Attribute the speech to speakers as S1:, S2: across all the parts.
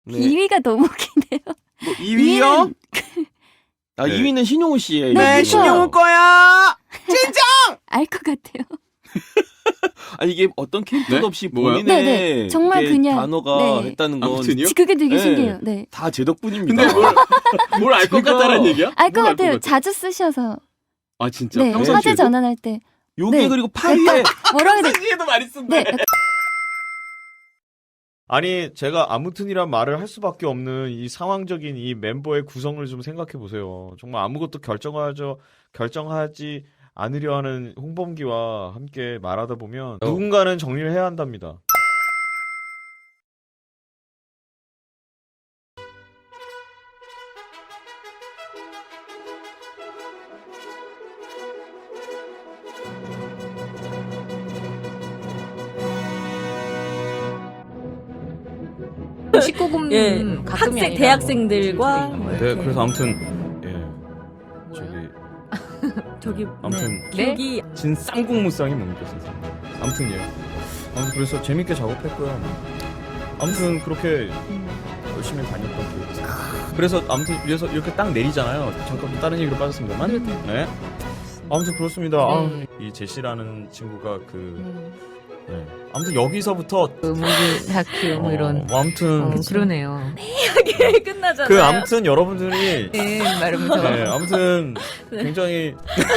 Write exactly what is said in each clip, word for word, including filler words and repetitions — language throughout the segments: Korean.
S1: 네.
S2: 이 위가 너무 웃기네요.
S1: 뭐 이 위요? 아,
S3: 네.
S1: 이 위는 신용우 씨예요.
S2: 네,
S1: 이게.
S2: 신용우
S1: 거야. 진짜.
S2: 알 것 같아요.
S1: 아니 이게 어떤 캐릭터도
S3: 네?
S1: 없이
S3: 뭐가요?
S1: 본인의
S2: 네, 네. 정말
S1: 이게
S2: 그냥,
S1: 단어가
S2: 네.
S1: 했다는 건
S3: 아무튼요?
S2: 그게 되게
S1: 네.
S2: 신기해요. 네.
S1: 다 제 덕분입니다.
S3: 근데 뭘 알 것
S1: 제가
S3: 같다는 얘기야?
S2: 알 것
S3: 뭘
S2: 같아요.
S3: 같아?
S2: 자주 쓰셔서.
S3: 아 진짜?
S2: 네.
S3: 평상시에도?
S2: 화제 전환할 때.
S1: 요게
S2: 네.
S1: 그리고 팔 위에
S2: 뭐라고 해야 돼?
S3: 평상시에도 많이 쓴대.
S2: 네.
S4: 아니 제가 아무튼이란 말을 할 수밖에 없는 이 상황적인 이 멤버의 구성을 좀 생각해 보세요. 정말 아무것도 결정하죠 결정하지 않으려 하는 홍범기와 함께 말하다 보면
S1: 어.
S4: 누군가는 정리를 해야 한답니다.
S5: 십구 금
S6: 예,
S5: 가끔이
S6: 학생
S5: 아니라
S6: 대학생들과
S5: 뭐
S6: 뭐
S4: 네,
S6: 이렇게.
S4: 그래서 아무튼 예 저기
S6: 저기
S4: 아무튼
S5: 네.
S6: 기억이
S4: 진 쌍국무쌍이 뭡니까 선생님? 아무튼 예. 아무튼 그래서 재밌게 작업했고요. 아무튼 그렇게 열심히 다녔던 기억이 있어요. 그래서 아무튼 그래서 이렇게 딱 내리잖아요. 잠깐 다른 얘기로 빠졌습니다만. 네. 아무튼 그렇습니다. 아,
S5: 네.
S4: 이 제시라는 친구가 그
S5: 음,
S4: 네. 아무튼 여기서부터
S5: 무기 다큐 뭐 이런.
S4: 어, 아무튼
S5: 어, 그러네요.
S6: 이게 끝나잖아요.
S4: 그 아무튼 여러분들이
S5: 네, 말하면서.
S4: 네, 아무튼 굉장히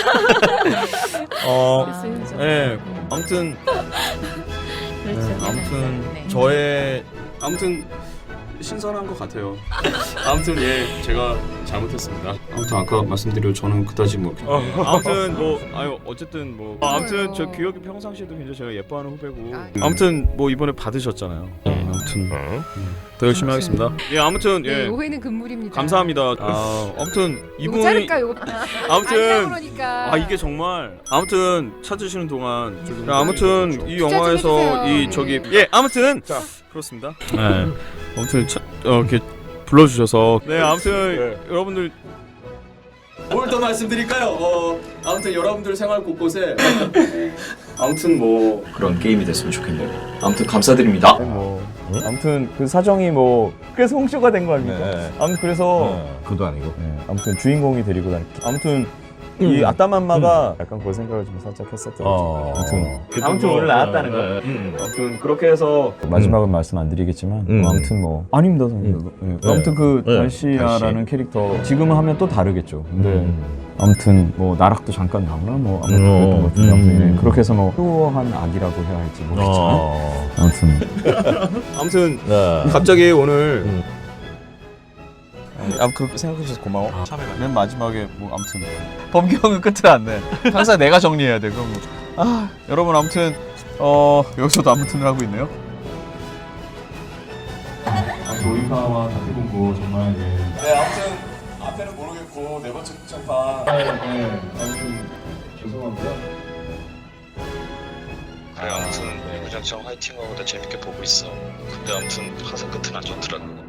S4: 어,
S5: 아,
S4: 네, 아무튼 네,
S5: 그렇죠.
S4: 아무튼
S5: 네.
S4: 저의
S3: 아무튼 신선한 것 같아요. 아무튼 예 제가 잘못했습니다. 아무튼 아까 말씀드린 저는 그다지 뭐
S4: 어, 아무튼 뭐 아유 어쨌든 뭐 어, 아무튼 저 규혁이 평상시에도 굉장히 제가 예뻐하는 후배고 아무튼 뭐 이번에 받으셨잖아요. 네, 아무튼 음, 더 열심히 하겠습니다. 예 아무튼
S7: 네,
S4: 예
S7: 오해는 금물입니다.
S4: 감사합니다. 아 아무튼
S7: 이거
S4: 이분이
S7: 자를까 요거?
S4: 아무튼
S7: 그러니까.
S4: 아 이게 정말 아무튼 찾으시는 동안
S3: 좀
S4: 야, 아무튼 이 영화에서
S7: 해주세요.
S4: 이 저기 예 아무튼 자 그렇습니다. 네 아무튼 차, 어, 이렇게 불러주셔서 네 아무튼 여러분들
S3: 뭘 더 말씀드릴까요? 어, 아무튼 여러분들 생활 곳곳에 아무튼 뭐 그런 게임이 됐으면 좋겠네요. 아무튼 감사드립니다.
S4: 뭐 아무튼 그 사정이 뭐 그래서 홍쇼가 된 거 아닙니까?
S8: 네.
S4: 아무튼 그래서
S8: 그도 아니고.
S4: 네, 아무튼 주인공이 데리고 다니. 아무튼 이 아따맘마가 약간 그런 생각을 좀 살짝 했었던.
S8: 어.
S4: 아무튼
S8: 그래도
S4: 아무튼
S8: 뭐,
S4: 오늘 나왔다는 거.
S8: 네.
S4: 음, 아무튼 그렇게 해서 마지막은 말씀 안 드리겠지만
S8: 음.
S4: 뭐 아무튼 뭐 아닙니다 선생님. 네.
S8: 네.
S4: 아무튼 그
S8: 네.
S4: 달시아라는 캐릭터 지금 하면 또 다르겠죠. 근데
S8: 음.
S4: 아무튼 뭐 나락도 잠깐 나오나 뭐 아무튼
S8: 음.
S4: 그랬던 것 같은데 아무튼
S8: 음.
S4: 예, 그렇게 해서 뭐 효한 악이라고 해야 할지 모르겠지만
S8: 어.
S4: 아무튼 아무튼
S8: 네.
S4: 갑자기 오늘
S8: 음.
S4: 아 그렇게 생각해 주셔서 고마워. 맨 마지막에 뭐 아무튼 범기 형은 끝을 안 내. 항상 내가 정리해야 돼. 그럼 뭐. 아 여러분 아무튼 어 여기서도 아무튼을 하고 있네요. 아무튼 오인파와 다태공부 정말 네. 네 아무튼 앞에는 모르겠고 네 번째 극장판. 네, 네 아무튼 죄송한데요.
S9: 그래 아무튼 구장청 화이팅하고 나 재밌게 보고 있어. 근데 아무튼 항상 끝은 안 좋더라고.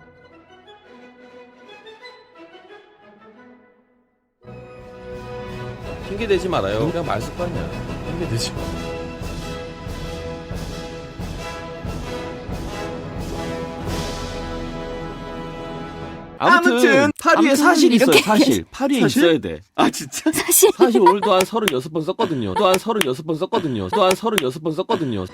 S1: 핑계 대지 말아요. 그냥 말 습관이야. 핑계 대지 마. 아무튼,
S3: 아무튼
S1: 팔 위에
S2: 아무튼
S1: 사실 있어요.
S2: 이렇게
S1: 사실 팔 위에
S3: 사실?
S1: 있어야 돼.
S3: 아 진짜?
S2: 사실.
S1: 사실 오늘도 한 서른여섯 번 썼거든요. 또 한 서른여섯 번 썼거든요. 또 한 서른여섯 번 썼거든요.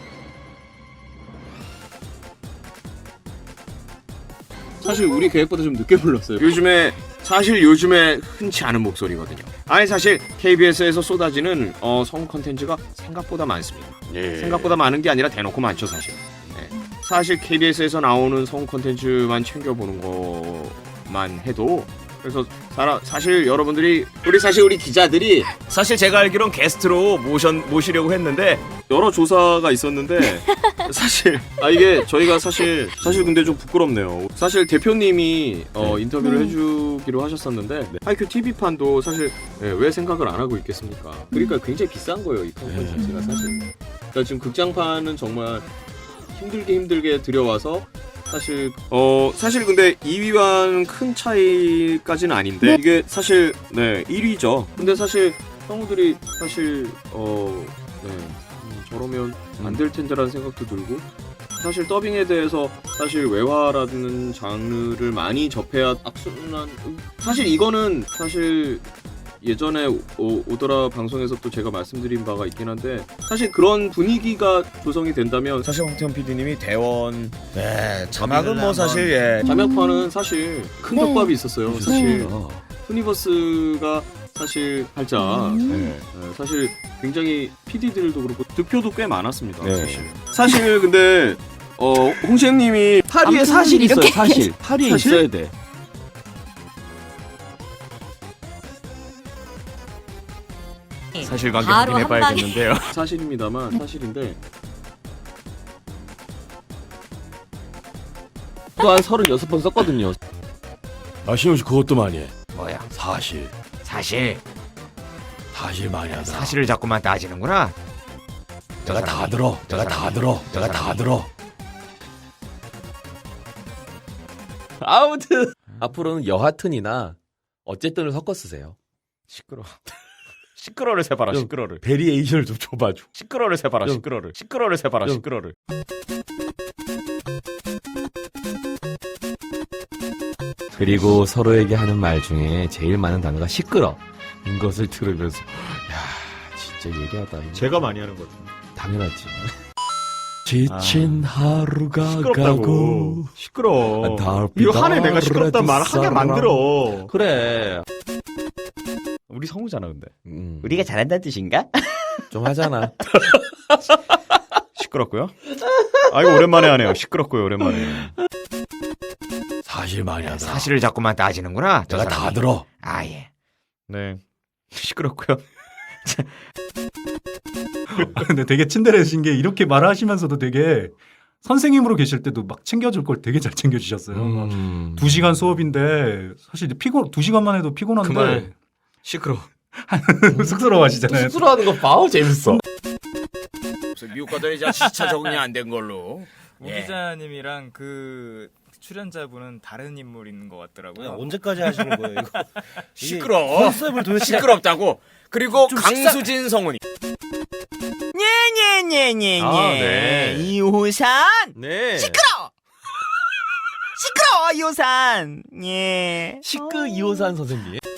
S3: 사실 우리 계획보다 좀 늦게 불렀어요. 요즘에 사실 요즘에 흔치 않은 목소리거든요. 아니 사실 케이비에스에서 쏟아지는 어, 성 컨텐츠가 생각보다 많습니다. 생각보다 많은 게 아니라 대놓고 많죠 사실. 네. 사실 케이비에스에서 나오는 성 컨텐츠만 챙겨보는 것만 해도 그래서 사라, 사실 여러분들이 우리 사실 우리 기자들이 사실 제가 알기론 게스트로 모션 모시려고 했는데 여러 조사가 있었는데 사실 아 이게 저희가 사실 사실 근데 좀 부끄럽네요. 사실 대표님이 어, 인터뷰를
S2: 네.
S3: 해주기로 하셨었는데 네. 하이큐 티비판도 사실 네, 왜 생각을 안 하고 있겠습니까? 그러니까 굉장히 비싼 거예요 이 컨텐츠 자체가 사실. 그러니까 지금 극장판은 정말 힘들게 힘들게 들여와서 사실 어 사실 근데 이 위와는 큰 차이까지는 아닌데 이게 사실 네 일 위죠. 근데 사실 성우들이 사실 어 네 음, 저러면 안 될 텐데라는 생각도 들고 사실 더빙에 대해서 사실 외화라는 장르를 많이 접해야 악순환. 사실 이거는 사실 예전에 오, 오더라 방송에서 또 제가 말씀드린 바가 있긴 한데 사실 그런 분위기가 조성이 된다면 사실 황태현 피디님이 대원 네 자막은 뭐 사실 예 자막판은 사실 큰
S2: 네.
S3: 덮밥이 있었어요.
S1: 네.
S3: 사실
S1: 어.
S3: 투니버스가 사실 살짝
S2: 음.
S3: 네, 네, 사실 굉장히 피디들도 그렇고 득표도 꽤 많았습니다.
S1: 네.
S3: 사실 사실 근데 어 홍시영님이
S1: 파리에
S2: 아무튼
S1: 사실 있어요.
S2: 이렇게
S1: 사실 파리에
S3: 사실?
S1: 있어야 돼.
S3: 사실관계
S6: 바로
S3: 확인해봐야겠는데요. 사실입니다만 사실인데
S1: 또한 서른여섯 번 썼거든요.
S7: 아, 신용 씨 그것도 많이 해.
S3: 뭐야?
S7: 사실.
S3: 사실
S7: 사실 많이 하다.
S3: 사실을 자꾸만 따지는구나.
S7: 내가 다 들어.
S3: 저
S7: 내가 다
S3: 사람이.
S7: 들어.
S3: 저
S7: 내가 다
S3: 사람이.
S7: 들어.
S1: 아무튼 앞으로는 여하튼이나 어쨌든을 섞어 쓰세요.
S3: 시끄러. 시끄러를 세봐라.
S7: 좀
S3: 시끄러를.
S7: 베리에이션을 좀 줘봐줘.
S3: 시끄러를 세봐라.
S7: 좀.
S3: 시끄러를. 시끄러를 세봐라.
S7: 좀.
S3: 시끄러를.
S1: 그리고 서로에게 하는 말 중에 제일 많은 단어가 시끄러. 인 것을 들으면서 야 진짜 얘기하다.
S3: 제가 많이 하는 거죠.
S1: 당연하지.
S7: 지친 하루가 가고.
S3: 시끄럽다고. 시끄러.
S7: 달빛
S3: 이거 한해 내가 시끄럽단 말 하게
S7: 사람.
S3: 만들어.
S1: 그래.
S3: 우리 성우잖아 근데.
S1: 음,
S8: 우리가 잘한다는 뜻인가?
S1: 좀 하잖아.
S3: 시끄럽고요. 아 이거 오랜만에 하네요. 시끄럽고요 오랜만에.
S7: 사실 많이 하다.
S3: 사실을 자꾸만 따지는구나. 저
S7: 내가 다
S3: 사람이.
S7: 들어.
S3: 아 예. 네. 시끄럽고요.
S10: 근데 되게 친절하신 게 이렇게 말하시면서도 되게 선생님으로 계실 때도 막 챙겨줄 걸 되게 잘 챙겨주셨어요.
S1: 음.
S10: 두 시간 수업인데 사실 피곤 두 시간만 해도 피곤한데
S3: 그만. 시끄러.
S10: 쑥스러워하시잖아요.
S1: 수술하는 거 봐. 재밌어.
S3: 미국 가더니 이제 시차 적응이 안 된 걸로.
S11: 우
S3: 예.
S11: 기자님이랑 그 출연자분은 다른 인물인 것 같더라고요.
S8: 언제까지 하시는 거예요 이거?
S3: 시끄러.
S8: 컨셉을 도대체
S3: 시끄럽다고. 그리고
S8: 좀
S3: 강수진 성우님.
S8: 녜녜녜녜녜
S3: 아, 네.
S8: 이호산
S1: 네.
S8: 시끄러 시끄러 이호산 예
S1: 시끄 이호산 선생님.